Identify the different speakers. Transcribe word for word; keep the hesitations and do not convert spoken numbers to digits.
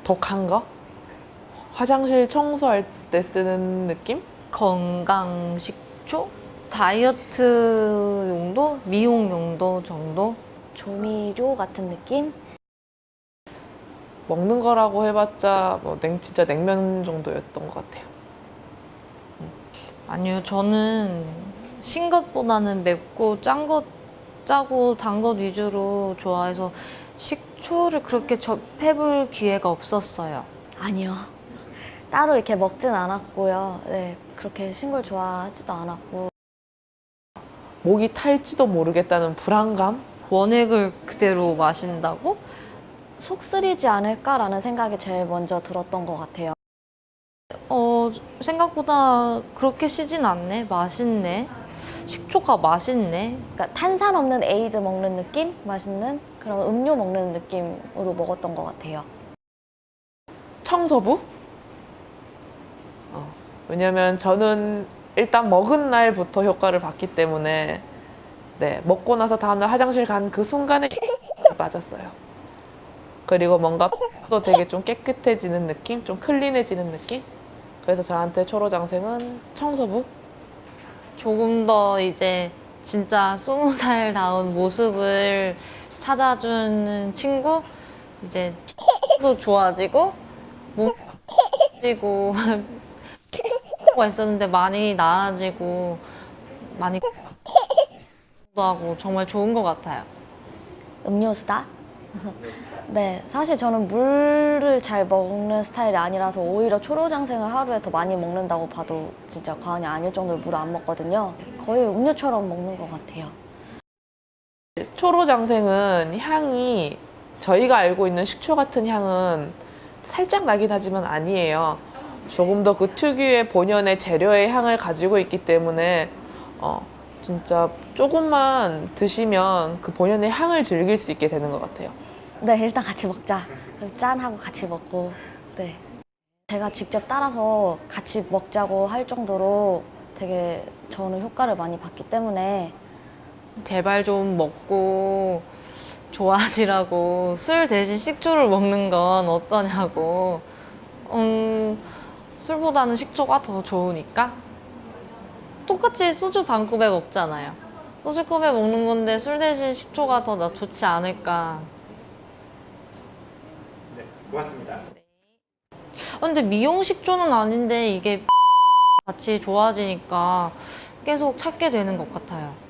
Speaker 1: 독한 거? 화장실 청소할 때 쓰는 느낌?
Speaker 2: 건강식초? 다이어트 용도? 미용 용도 정도?
Speaker 3: 조미료 같은 느낌?
Speaker 1: 먹는 거라고 해봤자 뭐 냉, 진짜 냉면 정도였던 것 같아요.
Speaker 2: 아니요, 저는 신 것보다는 맵고 짠 것, 짜고 단 것 위주로 좋아해서 식초를 그렇게 접해볼 기회가 없었어요.
Speaker 3: 아니요. 따로 이렇게 먹진 않았고요. 네, 그렇게 신 걸 좋아하지도 않았고.
Speaker 1: 목이 탈지도 모르겠다는 불안감?
Speaker 2: 원액을 그대로 마신다고?
Speaker 3: 속 쓰리지 않을까라는 생각이 제일 먼저 들었던 것 같아요.
Speaker 2: 어, 생각보다 그렇게 시진 않네. 맛있네. 식초가 맛있네.
Speaker 3: 그러니까 탄산 없는 에이드 먹는 느낌? 맛있는 그런 음료 먹는 느낌으로 먹었던 것 같아요.
Speaker 1: 청소부? 어, 왜냐면 저는 일단 먹은 날부터 효과를 봤기 때문에 네, 먹고 나서 다음날 화장실 간 그 순간에 빠졌어요. 그리고 뭔가 또 되게 좀 깨끗해지는 느낌? 좀 클린해지는 느낌? 그래서 저한테 초로장생은 청소부?
Speaker 2: 조금 더 이제 진짜 스무 살다운 모습을 찾아주는 친구? 이제 도 좋아지고 몸도 좋아지고 가 있었는데 많이 나아지고 많이 하고 정말 좋은 것 같아요.
Speaker 3: 음료수다? 네, 사실 저는 물을 잘 먹는 스타일이 아니라서 오히려 초로장생을 하루에 더 많이 먹는다고 봐도 진짜 과언이 아닐 정도로 물을 안 먹거든요. 거의 음료처럼 먹는 것 같아요.
Speaker 1: 초로장생은 향이 저희가 알고 있는 식초 같은 향은 살짝 나긴 하지만 아니에요. 조금 더 그 특유의 본연의 재료의 향을 가지고 있기 때문에 어, 진짜 조금만 드시면 그 본연의 향을 즐길 수 있게 되는 것 같아요.
Speaker 3: 네, 일단 같이 먹자. 짠 하고 같이 먹고. 네. 제가 직접 따라서 같이 먹자고 할 정도로 되게 저는 효과를 많이 봤기 때문에
Speaker 2: 제발 좀 먹고 좋아지라고 술 대신 식초를 먹는 건 어떠냐고. 음, 술보다는 식초가 더 좋으니까. 똑같이 소주 반컵에 먹잖아요. 소주컵에 먹는 건데 술 대신 식초가 더 나 좋지 않을까.
Speaker 4: 네, 고맙습니다.
Speaker 2: 아, 근데 미용 식초는 아닌데 이게 같이 좋아지니까 계속 찾게 되는 것 같아요.